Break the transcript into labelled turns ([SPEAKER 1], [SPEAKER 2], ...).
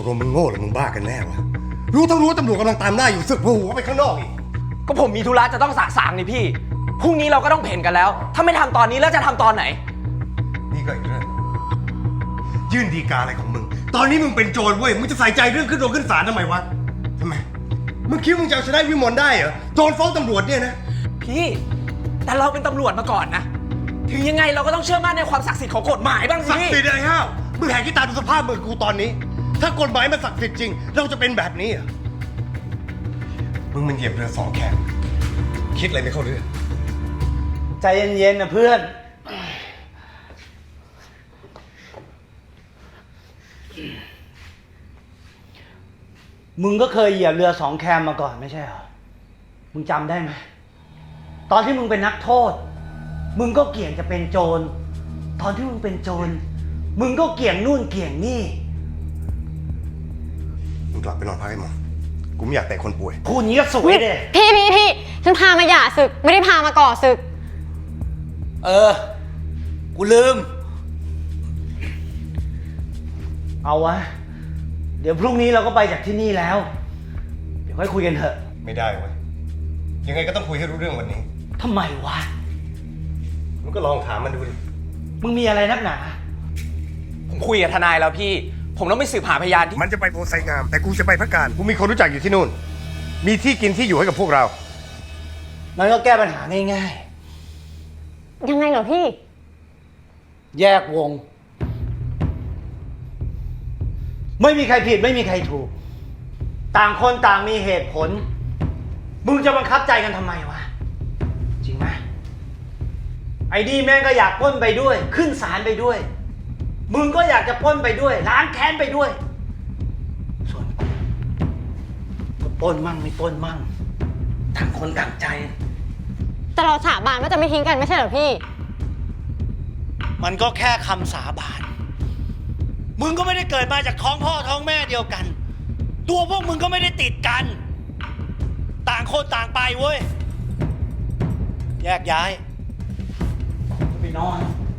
[SPEAKER 1] กลงมึงโง่หรือมึงบ้ากันแน่วะรู้ทั้งรู้ว่าตำรวจกำลังตามล่าอยู่สึกหัวไปข้างนอกอีก
[SPEAKER 2] ก็ผมมีธุระจะต้องสะสางนี่พี่พรุ่งนี้เราก็ต้องเพ่นกันแล้วถ้าไม่ทำตอนนี้แล้วจะทำตอนไหน
[SPEAKER 1] นี่ก็อีกเรื่องยื่นฎีกาอะไรของมึงตอนนี้มึงเป็นโจรเว้ยมึงจะใส่ใจเรื่องขึ้นโรงขึ้นศาลทำไมวะทำไมมึงคิดมึงจะเอาชนะวิมลได้เหรอโจรฟ้องตำรวจเนี่ยนะ
[SPEAKER 2] พี่แต่เราเป็นตำรวจมาก่อนนะถึงยังไงเราก็ต้องเชื่อมั่นในความศักดิ์สิทธิ์ของกฎหมายบ้างสิ
[SPEAKER 1] ศักดิ์สิทธิ์อะไรฮะมึงแหกขี้ตาดูสภาพมือกูตอนนี้ถ้ากฎหมายมันศักดิ์สิทธิ์จริงเราจะเป็นแบบนี้เหรอมึงมันเหยียบเรือสองแคมคิดอะไรไม่เข้าเรื่อง
[SPEAKER 3] ใจเย็นๆนะเพื่อนมึงก็เคยเหยียบเรือสองแคมมาก่อนไม่ใช่เหรอมึงจำได้ไหมตอนที่มึงเป็นนักโทษมึงก็เกี่ยงจะเป็นโจรตอนที่มึงเป็นโจรมึงก็เกี่ยงนู่นเกี่ยงนี่
[SPEAKER 1] มึงกลับไปนอนพักให้หมอกูไม่อยากแต่คนป่วย
[SPEAKER 3] พูดงี้ก็สวยเด้
[SPEAKER 4] พี่ฉันพามาหย่าศึกไม่ได้พามาก่อศึก
[SPEAKER 3] กูลืมเอาวะเดี๋ยวพรุ่งนี้เราก็ไปจากที่นี่แล้วเดี๋ยวค่อยคุยกันเถอะ
[SPEAKER 1] ไม่ได้เว้ยยังไงก็ต้องคุยให้รู้เรื่องวันนี้
[SPEAKER 3] ทำไมวะ
[SPEAKER 1] มึงก็ลองถามมันดูดิ
[SPEAKER 3] มึงมีอะไรนักหนา
[SPEAKER 2] ผมคุยกับทนายแล้วพี่ผมต้องไปสืบหาพยานที่
[SPEAKER 1] มันจะไปโพไซงามแต่กูจะไปพระการกูมีคนรู้จักอยู่ที่นู่นมีที่กินที่อยู่ให้กับพวกเรา
[SPEAKER 3] นั่นก็แก้ปัญหาง่าย
[SPEAKER 4] ๆยังไงเหรอพี่
[SPEAKER 3] แยกวงไม่มีใครผิดไม่มีใครถูกต่างคนต่างมีเหตุผลมึงจะบังคับใจกันทำไมวะจริงไหมไอ้ดีแม่งก็อยากปล้นไปด้วยขึ้นศาลไปด้วยมึงก็อยากจะปล้นไปด้วยล้างแค้นไปด้วยส่วนกูก็ปล้นมั่งไม่ปล้นมั่งต่างคนต่างใจ
[SPEAKER 4] แต่เราสาบานว่าจะไม่ทิ้งกันไม่ใช่เหรอพี่
[SPEAKER 3] มันก็แค่คำสาบานมึงก็ไม่ได้เกิดมาจากท้องพ่อท้องแม่เดียวกันตัวพวกมึงก็ไม่ได้ติดกันต่างคนต่างไปเว้ยแยกย้ายไปนอน